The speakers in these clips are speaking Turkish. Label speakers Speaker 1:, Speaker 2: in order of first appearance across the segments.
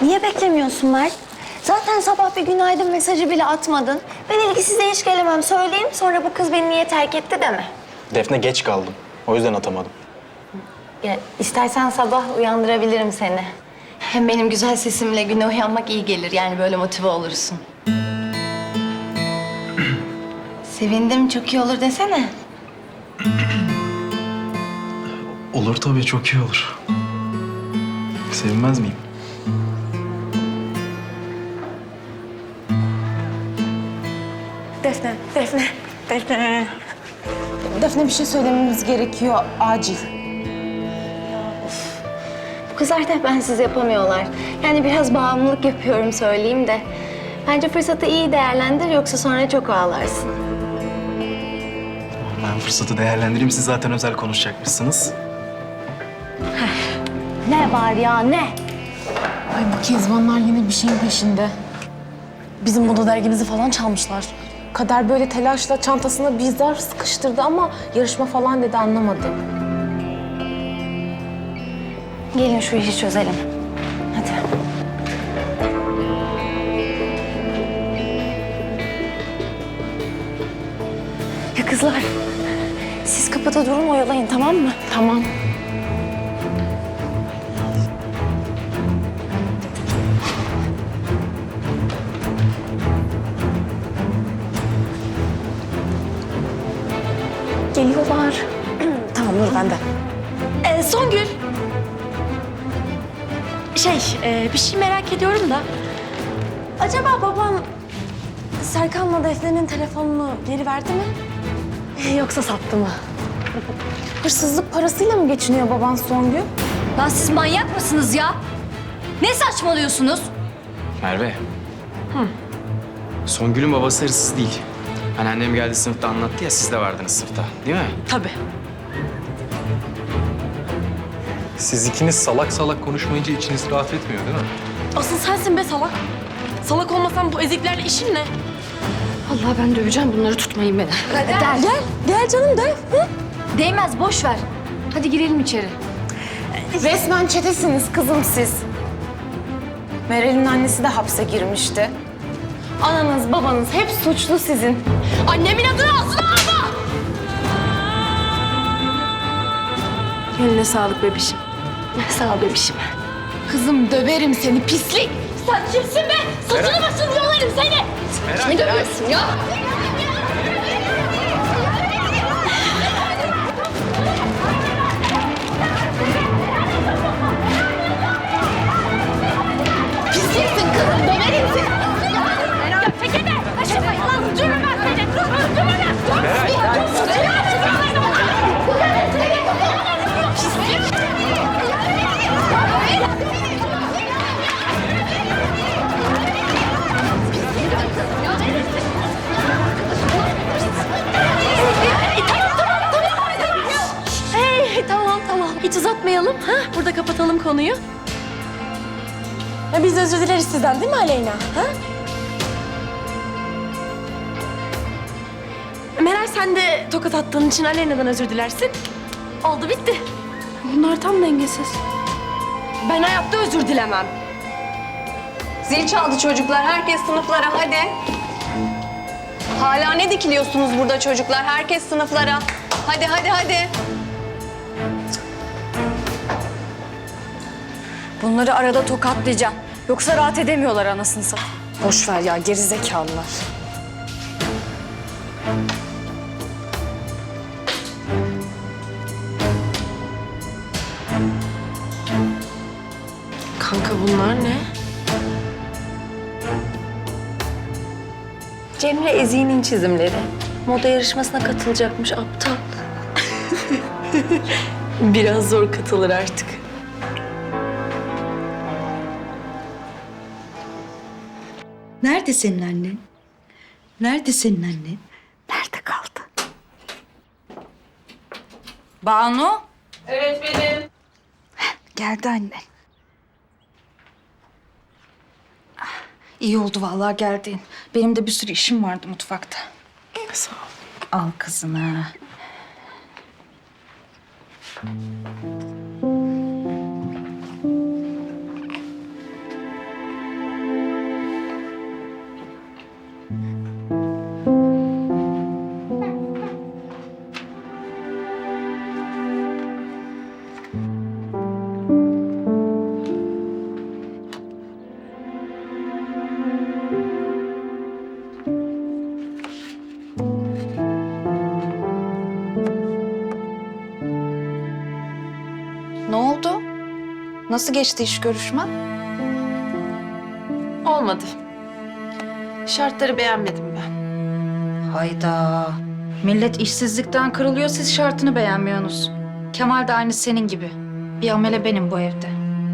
Speaker 1: Niye beklemiyorsun Mert? Zaten sabah bir günaydın mesajı bile atmadın. Ben ilgisize hiç gelemem söyleyeyim. Sonra bu kız beni niye terk etti deme.
Speaker 2: Defne geç kaldım. O yüzden atamadım.
Speaker 1: Ya istersen sabah uyandırabilirim seni. Hem benim güzel sesimle güne uyanmak iyi gelir. Yani böyle motive olursun. Sevindim, çok iyi olur desene.
Speaker 2: Olur tabii, çok iyi olur. Sevinmez miyim?
Speaker 3: Defne bir şey söylememiz gerekiyor acil.
Speaker 1: Bu kızlar da bensiz yapamıyorlar. Yani biraz bağımlılık yapıyorum söyleyeyim de. Bence fırsatı iyi değerlendir yoksa sonra çok ağlarsın.
Speaker 2: Ben fırsatı değerlendireyim. Siz zaten özel konuşacakmışsınız.
Speaker 1: Ne var ya ne?
Speaker 3: Ay bu Kezbanlar yine bir şeyin peşinde. Bizim moda dergimizi falan çalmışlar. Kader böyle telaşla çantasına bir zar sıkıştırdı ama yarışma falan dedi, anlamadım.
Speaker 1: Gelin şu işi çözelim. Hadi. Ya kızlar, siz kapıda durun oyalayın tamam mı?
Speaker 3: Tamam.
Speaker 1: Geliyorlar.
Speaker 3: Tamam dur ben de.
Speaker 4: Songül. Bir şey merak ediyorum da. Acaba babam Serkan'la Defne'nin telefonunu geri verdi mi? Yoksa sattı mı?
Speaker 3: Hırsızlık parasıyla mı geçiniyor baban Songül?
Speaker 4: Lan siz manyak mısınız ya? Ne saçmalıyorsunuz?
Speaker 5: Merve. Songül'ün babası hırsız değil. Hani annem geldi sınıfta anlattı ya, siz de vardınız sınıfta, değil mi?
Speaker 4: Tabii.
Speaker 6: Siz ikiniz salak salak konuşmayınca içiniz rahat etmiyor değil mi?
Speaker 4: Asıl sensin be salak. Salak olmasan bu eziklerle işin ne? Allah ben döveceğim bunları, tutmayın beni.
Speaker 3: Gel canım de.
Speaker 4: Değmez, boş ver. Hadi girelim içeri.
Speaker 3: Resmen çetesiniz kızım siz. Meral'in annesi de hapse girmişti. Ananız babanız hep suçlu sizin.
Speaker 4: Annemin adını ağzına alma! Eline sağlık bebişim. Sağ ol bebişim.
Speaker 3: Kızım döverim seni pislik.
Speaker 4: Sen kimsin be? Saçını başını yolarım seni. Ne dövüyorsun ya?
Speaker 3: Pisliksin kızım döverim seni.
Speaker 4: Ya tekene! Kaçırmayın lan! Öldürürüm ben seni! Öldürürüm! Hey, tamam. Hiç uzatmayalım. Ha? Burada kapatalım konuyu.
Speaker 3: Ya biz özür dileriz sizden değil mi Aleyna? Ha?
Speaker 4: Meral, sen de tokat attığın için Aleyna'dan özür dilersin. Oldu bitti. Bunlar tam dengesiz. Ben hayatta özür dilemem.
Speaker 7: Zil çaldı çocuklar. Herkes sınıflara hadi. Hala ne dikiliyorsunuz burada çocuklar? Herkes sınıflara. Hadi.
Speaker 4: Bunları arada tokatlayacağım. Yoksa rahat edemiyorlar anasını satayım.
Speaker 3: Boş ver ya, gerizekalılar.
Speaker 4: Kanka bunlar ne?
Speaker 1: Cemre Ezik'in çizimleri. Moda yarışmasına katılacakmış aptal.
Speaker 4: Biraz zor katılır artık.
Speaker 8: Nerede senin annen? Nerede senin annen? Nerede kaldı?
Speaker 7: Banu.
Speaker 8: Geldi annen. İyi oldu vallahi geldin. Benim de bir sürü işim vardı mutfakta.
Speaker 3: Sağ ol.
Speaker 8: Al kızını. Nasıl geçti iş görüşmen?
Speaker 3: Olmadı. Şartları beğenmedim ben.
Speaker 8: Hayda. Millet işsizlikten kırılıyor, siz şartını beğenmiyorsunuz. Kemal de aynı senin gibi. Bir amele benim bu evde.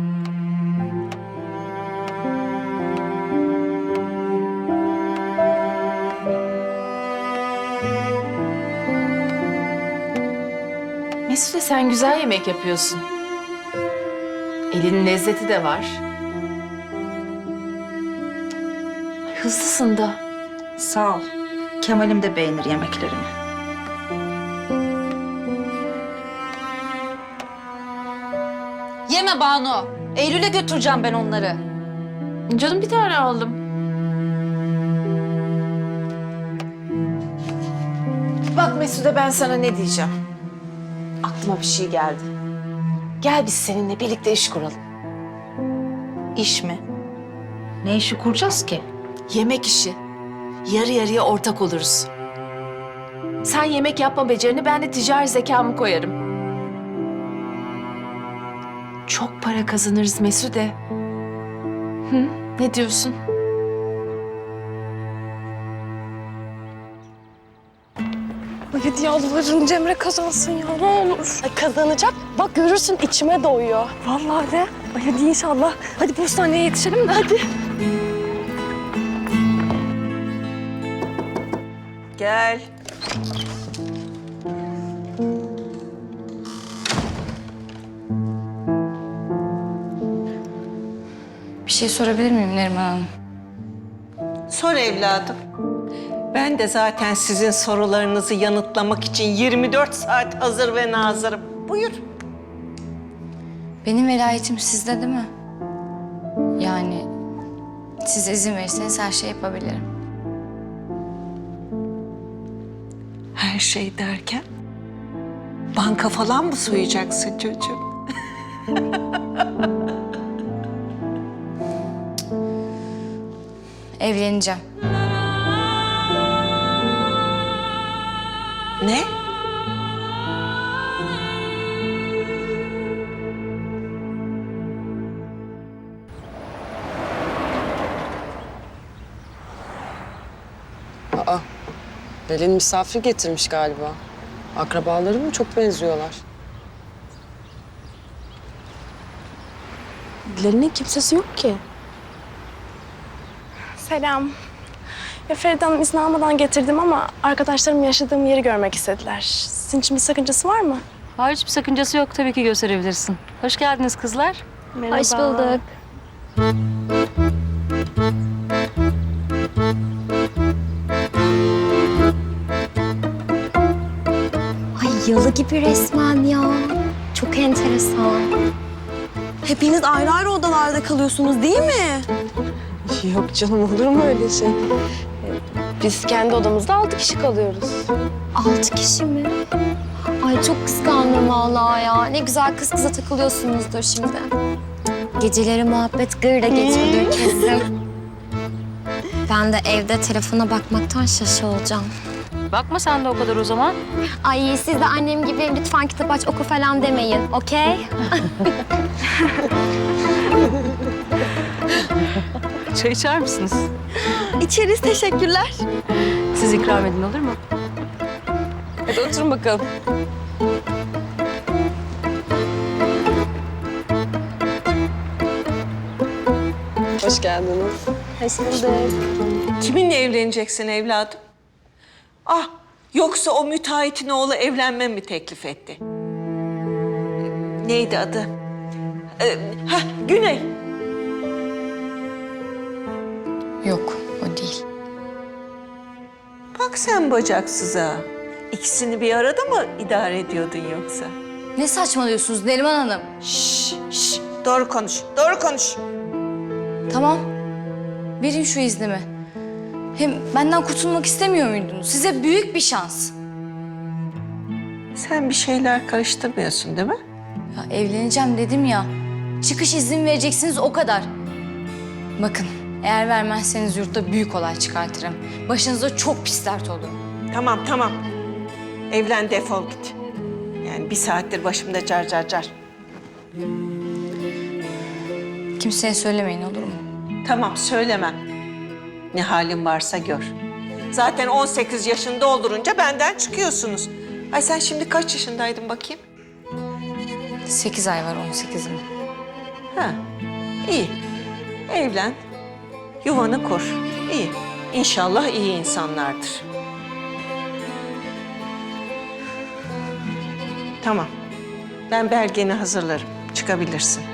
Speaker 3: Mesude sen güzel yemek yapıyorsun. Elinin lezzeti de var. Hızlısın da.
Speaker 8: Sağ ol. Kemal'im de beğenir yemeklerimi. Yeme Banu. Eylül'e götüreceğim ben onları.
Speaker 3: Canım bir tane aldım. Bak Mesude ben sana ne diyeceğim. Aklıma bir şey geldi. Gel biz seninle birlikte iş kuralım.
Speaker 8: İş mi? Ne işi kuracağız ki?
Speaker 3: Yemek işi. Yarı yarıya ortak oluruz. Sen yemek yapma becerini, ben de ticari zekamı koyarım. Çok para kazanırız Mesude. Hı? Ne diyorsun?
Speaker 4: Ay hadi yalvarırım Cemre kazansın ya ne olur. Ay kazanacak. Bak görürsün içime doyuyor. Vallahi de. Ay hadi inşallah. Hadi postaneye yetişelim de hadi.
Speaker 9: Gel.
Speaker 10: Bir şey sorabilir miyim Neriman Hanım?
Speaker 9: Sor evladım. Ben de zaten sizin sorularınızı yanıtlamak için 24 saat hazır ve nazırım. Buyur.
Speaker 10: Benim velayetim sizde değil mi? Yani siz izin verirseniz her şey yapabilirim.
Speaker 9: Her şey derken? Banka falan mı soyacaksın çocuğum?
Speaker 10: Evleneceğim.
Speaker 9: Ne?
Speaker 11: Aa, Pelin misafir getirmiş galiba. Akrabaları mı? Çok benziyorlar.
Speaker 4: Dilerinin kimsesi yok ki. Selam. Ya Feride Hanım izni almadan getirdim ama arkadaşlarım yaşadığım yeri görmek istediler. Sizin için bir sakıncası var mı?
Speaker 12: Hayır, hiçbir sakıncası yok. Tabii ki gösterebilirsin. Hoş geldiniz kızlar.
Speaker 4: Merhaba.
Speaker 10: Hoş bulduk.
Speaker 1: Ay yalı gibi resmen ya. Çok enteresan.
Speaker 4: Hepiniz ayrı ayrı odalarda kalıyorsunuz değil mi?
Speaker 3: Yok canım olur mu öyle şey? Biz kendi odamızda 6 kişi kalıyoruz.
Speaker 1: 6 kişi mi? Ay çok kıskandım vallahi ya. Ne güzel kız kıza takılıyorsunuzdur şimdi. Geceleri muhabbet gırla geçiyordur kesin. Ben de evde telefona bakmaktan şaşılacağım.
Speaker 12: Bakma sen de o kadar o zaman.
Speaker 1: Ay siz de annem gibi lütfen kitap aç oku falan demeyin, okey?
Speaker 12: Çay içer misiniz?
Speaker 4: İçeriz teşekkürler.
Speaker 12: Siz ikram edin olur mu?
Speaker 3: Hadi oturun bakalım.
Speaker 11: Hoş geldiniz.
Speaker 4: Hoş bulduk.
Speaker 9: Kiminle evleneceksin evladım? Ah, yoksa o müteahhitin oğlu evlenme mi teklif etti? Neydi adı? Güney.
Speaker 10: Yok, o değil.
Speaker 9: Bak sen bacaksıza. İkisini bir arada mı idare ediyordun yoksa?
Speaker 10: Ne saçmalıyorsunuz Neriman Hanım?
Speaker 9: Şş, doğru konuş, doğru konuş.
Speaker 10: Tamam. Verin şu iznimi. Hem benden kurtulmak istemiyor muydunuz? Size büyük bir şans.
Speaker 9: Sen bir şeyler karıştırmıyorsun değil mi?
Speaker 10: Ya evleneceğim dedim ya. Çıkış izni vereceksiniz o kadar. Bakın eğer vermezseniz yurtta büyük olay çıkartırım. Başınıza çok pis dert olur.
Speaker 9: Tamam, tamam. Evlen, defol git. Yani bir saattir başımda car car car.
Speaker 10: Kimseye söylemeyin olur mu?
Speaker 9: Tamam, söylemem. Ne halin varsa gör. Zaten 18 yaşını doldurunca benden çıkıyorsunuz. Ay sen şimdi kaç yaşındaydın bakayım?
Speaker 10: 8 ay var 18'im.
Speaker 9: Ha, iyi. Evlen, yuvanı kur. İyi. İnşallah iyi insanlardır. Tamam. Ben belgeni hazırlarım. Çıkabilirsin.